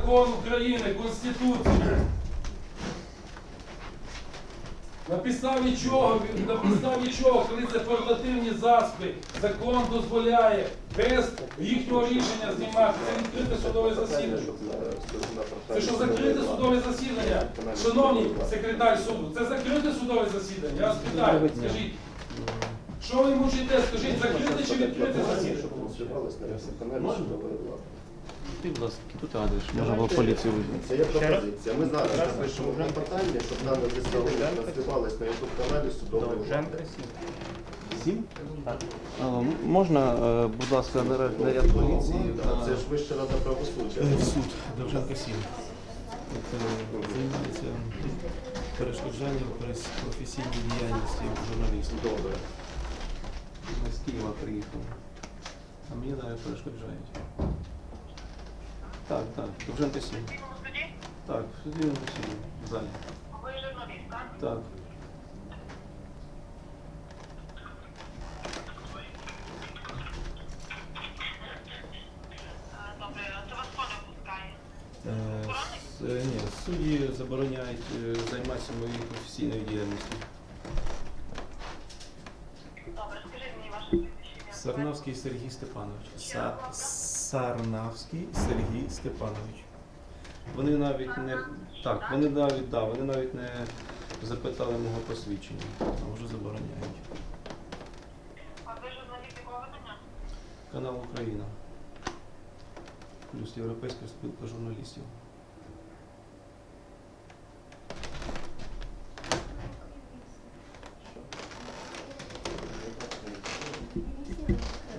закон України, Конституцію. На підставі чого, коли це портативні засоби, закон дозволяє без їхнього рішення знімати. Це відкрите судове засідання. Це що, закрите судове засідання? Шановний секретар суду, це закрите судове засідання? Я вас питаю, скажіть. Що ви мучите? Скажіть, закрите чи відкрите засідання? Ти, будь ласка, тут адрес, можна було поліцію визвати. Це є пропозиція. Ми зараз напишемо клопотання, щоб дане представлення транслювалось на YouTube-каналі судової влади. 7? Можна, будь ласка, наряд поліції? Це ж Вища рада правосуддя. Суд Довженка 7. Це займається перешкоджанням професійній діяльності журналістів. Добре. Ми з Києва приїхали. А мені навіть перешкоджають. Так, Довженка 7. Так, в суді в залі. Ви журналіст, так? Так. Добре, це вас хто не пускає? Ні, судді забороняють займатися моєю професійною діяльністю. Добре, скажіть мені ваше прізвище. Сарнавський Сергій Степанович. Сарнавський Сергій Степанович. Вони навіть не вони навіть не запитали мого посвідчення, а вже забороняють. А ви журналіст якого видання? Канал Україна. Плюс Європейська спілка журналістів.